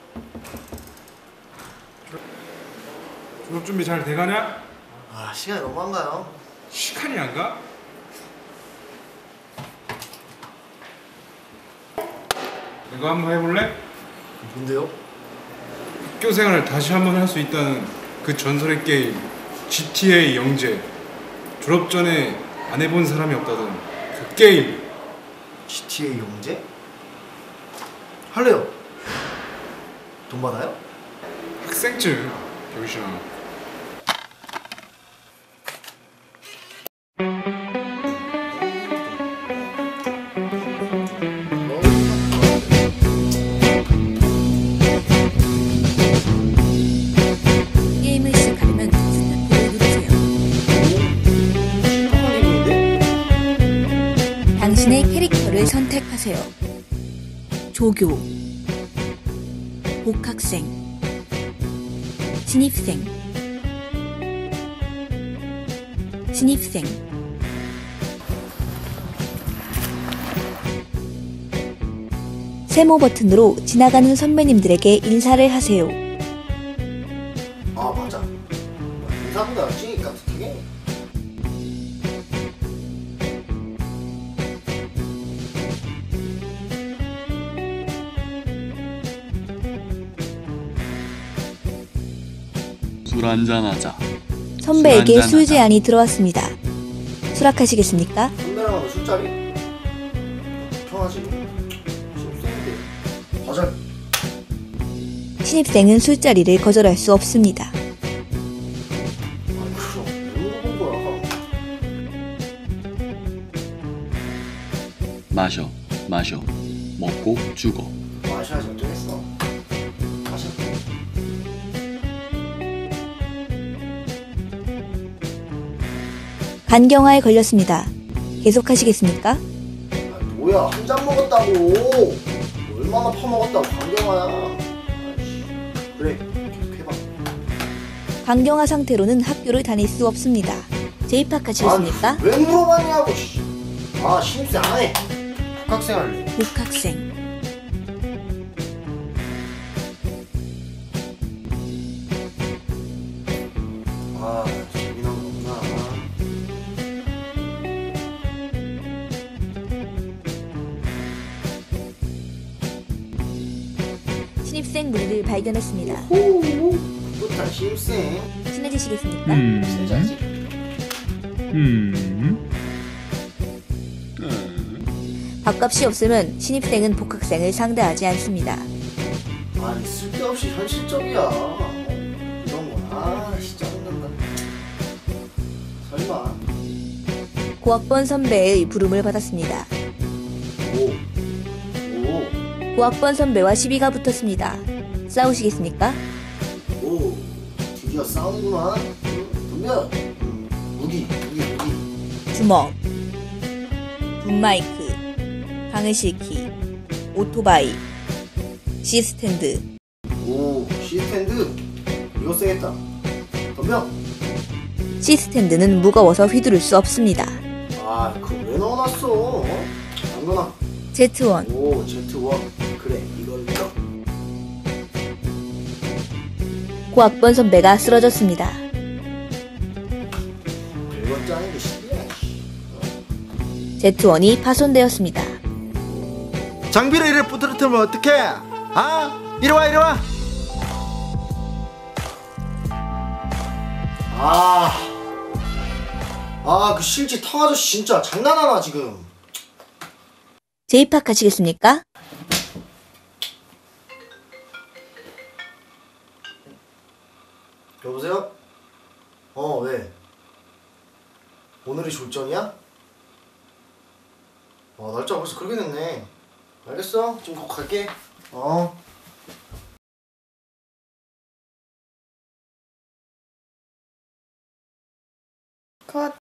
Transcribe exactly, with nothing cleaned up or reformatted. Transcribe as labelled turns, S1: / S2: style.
S1: 졸업 준비 잘 돼가냐?
S2: 아, 시간이 너무 안 가요.
S1: 시간이 안 가? 이거 한번 해볼래?
S2: 뭔데요?
S1: 학교 생활을 다시 한번 할 수 있다는 그 전설의 게임 지티에이 영재. 졸업 전에 안 해본 사람이 없다던 그 게임.
S2: 지티에이 영재? 할래요. 돈 받아요?
S1: 학생증 병신아.
S3: 게임을 시작하려면 스타트를 누르세요. 당신의 캐릭터를 선택하세요. 조교, 복학생, 신입생, 신입생. 세모 버튼으로 지나가는 선배님들에게 인사를 하세요.
S2: 아, 맞아. 인사보다 찡이 깍듯하게.
S4: 술 한잔하자.
S3: 선배에게
S4: 술 한잔하자.
S3: 술 제안이 들어왔습니다. 수락하시겠습니까?
S2: 선배랑 하면 술자리? 평하지. 신입생인데. 거절.
S3: 신입생은 술자리를 거절할 수 없습니다.
S2: 아니, 그럼 왜 물어본 거야?
S4: 마셔, 마셔. 먹고 죽어.
S2: 마셔야지 어쩌겠어. 마셔.
S3: 간경화에 걸렸습니다. 계속하시겠습니까?
S2: 아, 뭐야, 한 잔 먹었다고. 얼마나 퍼먹었다고, 강경화야. 아이씨. 그래, 계속 해봐.
S3: 간경화 상태로는 학교를 다닐 수 없습니다. 재입학하시겠습니까?
S2: 아니, 왜 물어봤냐고, 씨. 아, 신입생 안 해. 복학생 할래.
S3: 복학생,
S2: 아, 재미난 거 없나.
S3: 신입생 무리를 발견했습니다.
S2: 호, 풋풋한 신입생.
S3: 친해지시겠습니까?
S4: 음.
S2: 세자지.
S4: 음.
S3: 밥값이 없으면 신입생은 복학생을 상대하지 않습니다.
S2: 아니, 쓸데없이 현실적이야. 어, 이런 거. 아, 진짜 짜증난다. 설마.
S3: 고학번 선배의 부름을 받았습니다.
S2: 오. 오.
S3: 고학번 선배와 시비가 붙었습니다. 싸우시겠습니까?
S2: 오. 드디어 싸우는구만. 응, 덤벼. 응, 무기, 무기, 무기.
S3: 주먹, 붐마이크, 강을 실기, 오토바이, C스탠드.
S2: 오, C스탠드. 이거 세겠다. 덤벼.
S3: C스탠드는 무거워서 휘두를 수 없습니다.
S2: 아, 그거 왜 넣어놨어? 어? 안 넣어놔.
S3: 제트원,
S2: 오, 제트원. 그래, 이걸 넣어.
S3: 고학번 선배가 쓰러졌습니다.
S2: 별것도 아닌데 시비야.
S3: 제트원이 파손되었습니다.
S2: 장비를 이래 부드러뜨면 어떡해? 아? 이리와, 이리와. 아, 아, 그 실지 탕 아저씨 진짜 장난하나 지금.
S3: 재입학하시겠습니까?
S2: 여보세요? 어, 왜? 오늘이 졸전이야? 어, 날짜 벌써 그렇게 됐네. 알겠어, 지금 곧 갈게. 어.
S5: 컷.